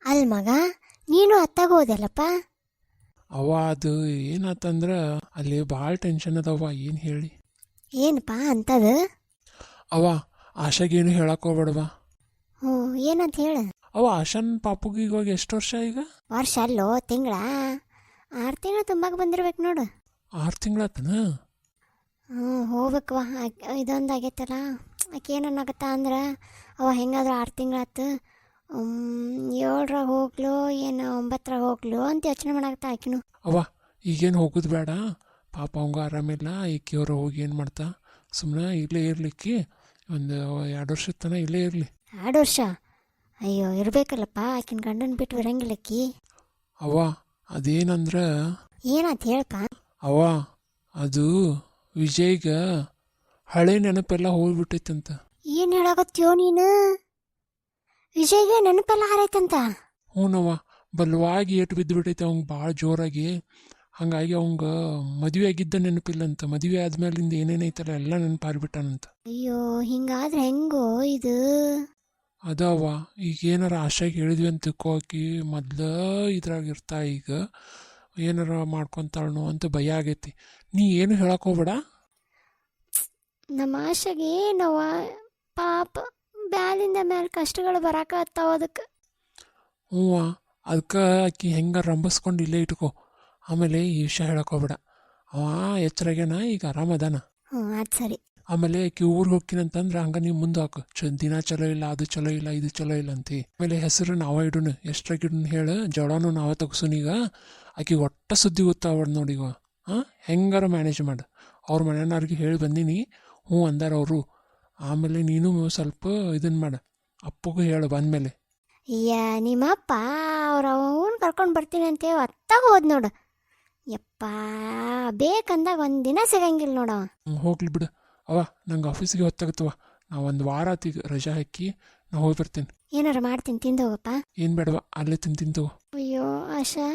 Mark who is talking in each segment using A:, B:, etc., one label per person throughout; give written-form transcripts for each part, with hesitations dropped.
A: ಅಲ್ ಮಗ, ನೀನು ಅತ್ತಾಗ ಹೋದಲ್ಲಪ್ಪ.
B: ಅವ ಅದು ಏನಾತಂದ್ರೆ ಅಲ್ಲಿ ಭಾಳ ಟೆನ್ಷನ್ ಅದವ. ಏನು ಹೇಳಿ?
A: ಏನಪ್ಪ ಅಂತದು?
B: ಅವ ಆಶಾಗೇನು ಹೇಳಕ್ ಹೋಗ್ಬೇಡವ.
A: ಹ್ಞೂ, ಏನಂತ ಹೇಳ.
B: ಅವ ಆಶಾನ್ ಪಾಪುಗೆ ಇವಾಗ ಎಷ್ಟು ವರ್ಷ ಈಗ?
A: ವರ್ಷ ಅಲ್ಲೋ, ತಿಂಗಳ 6 ತಿಂಗಳು ತುಂಬಾಗ ಬಂದಿರ್ಬೇಕು ನೋಡು.
B: 6 ತಿಂಗಳಾತನ?
A: ಹ್ಞೂ, ಹೋಗ್ಬೇಕವ. ಇದೊಂದು ಆಗೈತಲ್ಲ, ಆಕೆ ಏನನ್ನಾಗತ್ತ ಅಂದ್ರೆ ಅವ ಹೆಂಗಾದ್ರೂ 6 ತಿಂಗಳಾತು, 7ರಾಗ ಹೋಗ್ಲು ಏನು 9ರಾಗ ಹೋಗ್ಲು ಅಂತ ಯೋಚನೆ ಮಾಡಾಕತ್ತ ಆಕಿನು.
B: ಅವ ಈಗೇನು ಹೋಗೋದು ಬೇಡ, ಪಾಪ ಅವಂಗ ಆರಾಮಿಲ್ಲ. ಈಕಿಯವ್ರ ಹೋಗಿ ಏನು ಮಾಡ್ತಾ, ಸುಮ್ಮನೆ ಇಲ್ಲೇ ಇರ್ಲಿಕ್ಕೆ ಒಂದು 2 ವರ್ಷದ ತನಕ ಇಲ್ಲೇ ಇರಲಿ.
A: 2 ವರ್ಷ? ಅಯ್ಯೋ, ಇರ್ಬೇಕಲ್ಲಪ್ಪ, ಆಕಿನ ಗಂಡನ ಬಿಟ್ಟು ಇರಂಗಿಲ್ಲಕ್ಕಿ.
B: ಅವ ಅದೇನಂದ್ರೆ,
A: ಏನಾತ ಹೇಳಪ್ಪ.
B: ಅವ ಅದು ವಿಜಯ್ಗ ಹಳೆ ನೆನಪೆಲ್ಲ ಹೋಗ್ಬಿಟ್ಟೈತಂತ.
A: ಏನು ಹೇಳಾಕತ್ತೀಯೋ ನೀನು? ವಿಜಯ್ಗೆ ನೆನಪೆಲ್ಲ ಹಾರೈತಂತ?
B: ಹ್ಞೂನವ್ವ, ಬಲವಾಗಿ ಏಟು ಬಿದ್ದುಬಿಟ್ಟೈತೆ ಅವಂಗೆ ಭಾಳ ಜೋರಾಗಿ. ಹಾಗಾಗಿ ಅವಂಗ ಮದುವೆ ಆಗಿದ್ದ ನೆನಪಿಲ್ಲಂತ. ಮದುವೆ ಆದ್ಮೇಲಿಂದ ಏನೇನೈತಲ್ಲ ಎಲ್ಲ ನೆನಪು ಹಾರಿಬಿಟ್ಟಾನಂತ.
A: ಅಯ್ಯೋ, ಹಿಂಗಾದ್ರೆ ಹೆಂಗೋ ಇದು?
B: ಅದವ್ವ, ಈಗ ಏನಾರ ಆಶಾಗಿ ಹೇಳಿದ್ವಿ ಅಂತ ತಿಳ್ಕೊಕಿ ಮೊದ್ಲ ಇದ್ರಾಗ ಇರ್ತಾ. ಈಗ ಏನಾರ ಮಾಡ್ಕೊತಾಳನು ಅಂತ ಭಯ ಆಗೈತಿ. ನೀ ಏನು ಹೇಳಕ್ ಹೋಗ್ಬೇಡ.
A: ನಮ್ಮ ಆಶೆಗೆ ಏನವ ಪಾಪ, ಬ್ಯಾಲಿಂದ ಮೇಲೆ ಕಷ್ಟಗಳು ಬರಾಕತ್ತಾವ ಅದಕ್ಕೆ.
B: ಹ್ಞೂ, ಅದಕ್ಕೆ ಆಕಿ ಹೆಂಗ ರಂಬಸ್ಕೊಂಡು ಇಲ್ಲೇ ಇಟ್ಕೋ. ಆಮೇಲೆ ಈ ವಿಷಯ ಹೇಳಕ್ ಹೋಗ್ಬೇಡ. ಅವ ಎಚ್ಚರಾಗ್ಯಾನ, ಈಗ ಆರಾಮದಾನ.
A: ಹ್ಞೂ, ಅದು ಸರಿ.
B: ಆಮೇಲೆ ಆಕಿ ಊರಿಗೆ ಹೋಗ್ತೀನಂತಂದ್ರೆ ಹಂಗ ನೀವು ಮುಂದೆ ಹಾಕು. ದಿನ ಚಲೋ ಇಲ್ಲ, ಅದು ಚಲೋ ಇಲ್ಲ, ಇದು ಚಲೋ ಇಲ್ಲ ಅಂತಿ. ಆಮೇಲೆ ಹೆಸರು ನಾವ ಇಡುನು, ಎಷ್ಟ್ರಾಗ ಇಡುನು ಹೇಳು. ಜವಳನೂ ನಾವ ತಗ್ಸುನೀಗ. ಆಕಿ ಒಟ್ಟ ಸುದ್ದಿ ಗೊತ್ತಾವಡ್ ನೋಡೀಗ. ಹಾಂ, ಹೆಂಗಾರ ಮ್ಯಾನೇಜ್ ಮಾಡು. ಅವ್ರ ಮನೆಯವ್ರಿಗೆ ಹೇಳಿ ಬಂದೀನಿ, ಹ್ಞೂ ಅಂದಾರ ಅವರು. ಆಮೇಲೆ ನೀನು ಸ್ವಲ್ಪ ಇದನ್ನು ಮಾಡು, ಅಪ್ಪಗೂ ಹೇಳು ಬಂದಮೇಲೆ.
A: ನಿಮ್ಮಪ್ಪ ಅವ್ರ ಅವನು ಕರ್ಕೊಂಡು ಬರ್ತೀನಿ ಅಂತೇಳಿ ಅತ್ತಾಗ ಹೋದ್ ನೋಡು. ಯಪ್ಪ, ಬೇಕಂದಾಗ ಒಂದಿನ ಸಿಗಂಗಿಲ್ಲ ನೋಡವ.
B: ಹೋಗ್ಲಿ ಬಿಡು. ಅವ ನಂಗೆ ಆಫೀಸಿಗೆ ಹೊತ್ತಾಗತ್ತವ. ನಾ ಒಂದು ವಾರ ಆತೀಗ ರಜಾ ಹಾಕಿ ನಾ ಹೋಗಿ ಬರ್ತೀನಿ.
A: ಏನಾರ ಮಾಡ್ತೀನಿ, ತಿಂದು ಹೋಗಪ್ಪ.
B: ಏನು ಬೇಡವ, ಅಲ್ಲೇ ತಿಂತವ.
A: ಅಯ್ಯೋ ಆಶಾ.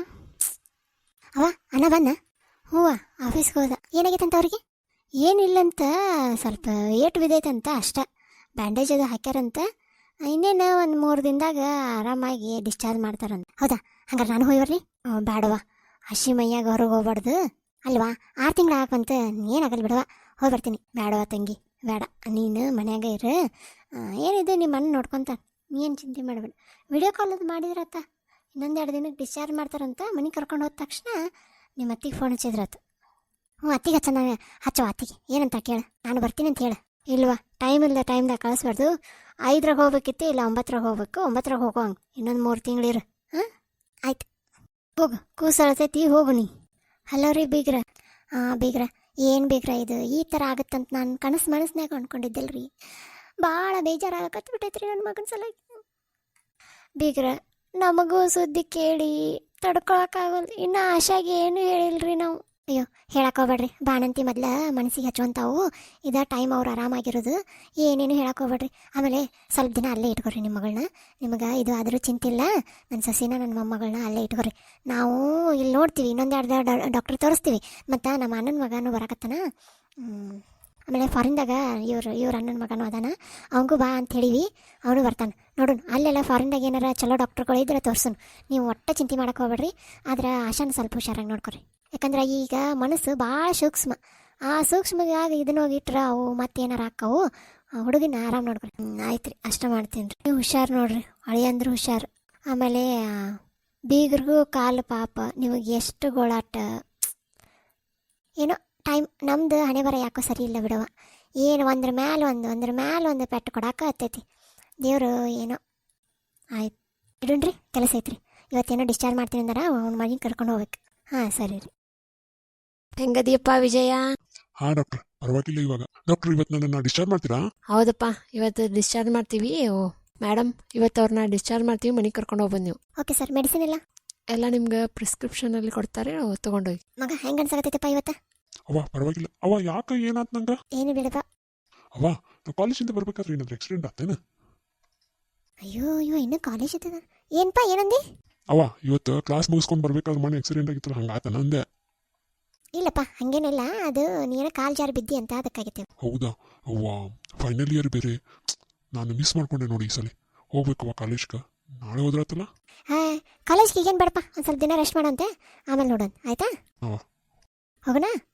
A: ಅವ ಅಣ್ಣ ಬನ್ನ? ಹೂವ ಆಫೀಸ್ಗೆ ಹೋದ. ಏನಾಗೈತಂತ ಅವ್ರಿಗೆ? ಏನಿಲ್ಲಂತ, ಸ್ವಲ್ಪ ಏಟು ಬಿದ್ದೈತಂತ ಅಷ್ಟ. ಬ್ಯಾಂಡೇಜ್ ಅದು ಹಾಕ್ಯಾರಂತ. ಇನ್ನೇನು ಒಂದು 3 ದಿನದಾಗ ಆರಾಮಾಗಿ ಡಿಸ್ಚಾರ್ಜ್ ಮಾಡ್ತಾರಂತ. ಹೌದಾ? ಹಂಗಾರೆ ನಾನು ಹೋಗಿ ಬರ್ಲಿ? ಬೇಡವ, ಹಸಿ ಮೈಯಾಗ ಹೊರಗೆ ಹೋಗ್ಬಾರ್ದು ಅಲ್ವಾ. 6 ತಿಂಗಳು ಹಾಕಂತ ಏನಾಗಲ್ಲ ಬಿಡವ, ಹೋಗಿ ಬರ್ತೀನಿ. ಬೇಡವ ತಂಗಿ, ಬೇಡ, ನೀನು ಮನ್ಯಾಗ ಇರು. ಏನಿದೆ ನಿಮ್ಮ ಅಣ್ಣ ನೋಡ್ಕೊತ, ಏನು ಚಿಂತೆ ಮಾಡಬೇಡ. ವಿಡಿಯೋ ಕಾಲ್ ಅದು ಮಾಡಿದ್ರತ್ತ. ಇನ್ನೊಂದು 2 ದಿನಕ್ಕೆ ಡಿಸ್ಚಾರ್ಜ್ ಮಾಡ್ತಾರಂತ. ಮನೆಗೆ ಕರ್ಕೊಂಡು ಹೋದ ತಕ್ಷಣ ನಿಮ್ಮ ಅತ್ತಿಗೆ ಫೋನ್ ಹಚ್ಚಿದ್ರತ್ತ. ಹ್ಞೂ, ಅತ್ತಿಗೆ ಹಚ್ಚವ. ಅತ್ತಿಗೆ ಏನಂತ ಕೇಳು, ನಾನು ಬರ್ತೀನಿ ಅಂತ ಹೇಳು. ಇಲ್ವಾ, ಟೈಮ್ ಇಲ್ಲ, ಟೈಮ್ದಾಗ ಕಳಿಸ್ಬಾರ್ದು. 5ರಾಗ ಹೋಗ್ಬೇಕಿತ್ತು, ಇಲ್ಲ 9ರಾಗ ಹೋಗ್ಬೇಕು. 9ರಾಗ ಹೋಗೋ ಹಂಗೆ ಇನ್ನೊಂದು 3 ತಿಂಗಳಿರು. ಹಾಂ, ಆಯ್ತು, ಹೋಗು. ಕೂಸಳ್ತೈತಿ, ಹೋಗು ನೀ. ಹಲೋ ರೀ ಬೀಗ್ರ. ಬೀಗ್ರ, ಏನು ಬೀಗ್ರ ಇದು ಈ ಥರ ಆಗುತ್ತಂತ ನಾನು ಮನಸ್ನಾಗ ಅಂದ್ಕೊಂಡಿದ್ದಿಲ್ಲ ರೀ. ಭಾಳ ಬೇಜಾರಾಗಕತ್ತು ಬಿಟ್ಟೈತ್ರಿ ನನ್ನ ಮಗನ ಸಲ. ಬೀಗ್ರ, ನಮಗೂ ಸುದ್ದಿ ಕೇಳಿ ತಡ್ಕೊಳಕ್ಕಾಗಲ್ಲ. ಇನ್ನು ಆಶಾಗೆ ಏನು ಹೇಳಿಲ್ರಿ ನಾವು. ಅಯ್ಯೋ, ಹೇಳಕ್ಕೆ ಹೋಗ್ಬೇಡ್ರಿ. ಬಾಣಂತಿ ಮೊದಲ ಮನಸ್ಸಿಗೆ ಹಚ್ಚುವಂತಾವು. ಇದ ಟೈಮ್ ಅವ್ರು ಆರಾಮಾಗಿರೋದು. ಏನೇನು ಹೇಳಕ್ಕೆ ಹೋಗ್ಬೇಡ್ರಿ. ಆಮೇಲೆ ಸ್ವಲ್ಪ ದಿನ ಅಲ್ಲೇ ಇಟ್ಕೊರಿ ನಿಮ್ಮ ಮಗಳನ್ನ. ನಿಮಗೆ ಇದು ಆದರೂ ಚಿಂತಿಲ್ಲ. ನನ್ನ ಸಸಿನ ನನ್ನ ಮೊಮ್ಮಗಳನ್ನ ಅಲ್ಲೇ ಇಟ್ಕೊರಿ. ನಾವು ಇಲ್ಲಿ ನೋಡ್ತೀವಿ, ಇನ್ನೊಂದು 2 ಡಾಕ್ಟ್ರ್ ತೋರಿಸ್ತೀವಿ. ಮತ್ತು ನಮ್ಮ ಅಣ್ಣನ ಮಗನೂ ಬರಕತ್ತಾನ. ಆಮೇಲೆ ಫಾರಿನ್ದಾಗ ಇವ್ರ ಅಣ್ಣನ ಮಗನೂ ಅದಾನ. ಅವನಿಗೂ ಬಾ ಅಂತ ಹೇಳಿವಿ, ಅವನು ಬರ್ತಾನೆ. ನೋಡೋಣ, ಅಲ್ಲೆಲ್ಲ ಫಾರಿನ್ದಾಗ ಏನಾರ ಚಲೋ ಡಾಕ್ಟ್ರುಗಳು ಇದ್ರೆ ತೋರ್ಸೋಣ. ನೀವು ಒಟ್ಟು ಚಿಂತೆ ಮಾಡಕ್ಕೆ ಹೋಗ್ಬೇಡ್ರಿ. ಆದ್ರೆ ಆಶಾನ ಸ್ವಲ್ಪ ಹುಷಾರಾಗಿ ನೋಡ್ಕೊರಿ. ಯಾಕಂದ್ರೆ ಈಗ ಮನಸ್ಸು ಭಾಳ ಸೂಕ್ಷ್ಮ. ಆ ಸೂಕ್ಷ್ಮವಾಗಿ ಇದನ್ನ ಹೋಗಿಟ್ರೆ ಅವು ಮತ್ತೇನಾರು ಹಾಕವು. ಹುಡುಗಿನ ಆರಾಮ್ ನೋಡ್ಕೊರಿ. ಆಯ್ತು ರೀ, ಅಷ್ಟ ಮಾಡ್ತೀನಿ ರೀ. ನೀವು ಹುಷಾರು ನೋಡ್ರಿ, ಅಳಿಯಂದ್ರೆ ಹುಷಾರು. ಆಮೇಲೆ ಬೀಗ್ರಿಗೂ ಕಾಲು ಪಾಪ, ನಿಮಗೆ ಎಷ್ಟು ಗೋಳಾಟ ಏನೋ. ಟೈಮ್ ನಮ್ದು ಹಣೆ ಬರ ಯಾಕೋ ಸರಿ ಇಲ್ಲ ಬಿಡವ. ಏನು ಒಂದ್ರ ಮ್ಯಾಲೆ ಒಂದು ಪೆಟ್ಟು ಕೊಡಾಕ ಹತ್ತೈತಿ ದೇವರು. ಏನೋ ಆಯ್ತು, ಇಡೋಣ್ರಿ, ಕೆಲಸ ಐತ್ರಿ. ಇವತ್ತೇನೋ ಡಿಸ್ಚಾರ್ಜ್ ಮಾಡ್ತೀನಿ ಅಂದ್ರೆ ಅವ್ನ ಮನೆಗೆ ಕರ್ಕೊಂಡು ಹೋಗ್ಬೇಕು. ಹಾಂ, ಸರಿ ರೀ. ಹೆಂಗದಿಯಪ್ಪ ವಿಜಯ?
C: ಹಾಂ ಡಾಕ್ಟರ್, ಪರವಾಗಿಲ್ಲ ಇವಾಗ. ಡಾಕ್ಟರ್, ಇವತ್ತು ನನ್ನನ್ನು ಡಿಸ್ಚಾರ್ಜ್ ಮಾಡ್ತೀರಾ?
D: ಹೌದಪ್ಪ, ಇವತ್ತು ಡಿಸ್ಚಾರ್ಜ್ ಮಾಡ್ತೀವಿ. ಮೇಡಮ್, ಇವತ್ತು ಅವ್ರನ್ನ ಡಿಸ್ಚಾರ್ಜ್ ಮಾಡ್ತೀವಿ, ಮನೆಗೆ ಕರ್ಕೊಂಡು ಹೋಗ್ಬಂದು ನೀವು.
A: Okay sir. ಮೆಡಿಸಿನ್ ಎಲ್ಲ
D: ನಿಮ್ಗೆ ಪ್ರಿಸ್ಕ್ರಿಪ್ಷನಲ್ಲಿ ಕೊಡ್ತಾರೆ, ತೊಗೊಂಡೋಗಿ.
A: ಮಗ ಹೆಂಗೆ ಅನ್ಸಾಕತ್ತೈತಪ್ಪ ಇವತ್ತು?
C: ಅವ್ವ ಪರವಾಗಿಲ್ಲ. ಅವ್ವ ಯಾಕೆ, ಏನಾಯ್ತು ನಂಗೆ?
A: ಏನು ಬಿಡಪ್ಪ.
C: ಅವ್ವ, ನಾವು ಕಾಲೇಜಿಂದ ಬರ್ಬೇಕಾದ್ರೆ ಏನಾದ್ರು ಆಕ್ಸಿಡೆಂಟ್ ಆಗ್ತೇನೆ?
A: ಅಯ್ಯೋ ಇನ್ನೂ ಕಾಲೇಜ್ ಇದ್ದದ. ಏನಪ್ಪ, ಏನಂದಿ?
C: ಅವ್ವ, ಇವತ್ತು ಕ್ಲಾಸ್ ಮುಗಿಸ್ಕೊಂಡು ಬರ್ಬೇಕಾದ್ರೆ ಮನೆ ಆಕ್ಸಿಡೆಂಟ್ ಆಗಿತ್ತಲ್ಲ, ಹಂಗಾತನ ಅಂದೆ.
A: ಇಲ್ಲಪ್ಪ, ಹಂಗೇನಿಲ್ಲ. ಅದು ನೀನು ಕಾಲು ಜಾರಿ ಬಿದ್ದಿ ಅಂತ ಅದಕ್ಕಾಗಿತ್ತು.
C: ಹೌದಾ? ಅವ್ವ, ಫೈನಲ್ ಇಯರ್ ಬೇರೆ. ನಾನು ಮಿಸ್ ಮಾಡ್ಕೊಂಡೆ ನೋಡಿ ಈ ಸಲ. ಹೋಗ್ಬೇಕವ್ವ ಕಾಲೇಜ್ಗೆ. ನಾಳೆ ಹೋದ್ರಾತಲ್ಲ?
A: ಕಾಲೇಜ್ಗೆ ಈಗೇನು ಬೇಡಪ್ಪ ಒಂದು ಸ್ವಲ್ಪ ದಿನ ರೆಸ್ಟ್ ಮಾಡಂತೆ ಆಮೇಲೆ ನೋಡೋಣ ಆಯ್ತಾ
C: ಹಾಂ.
A: ಹೋಗೋಣ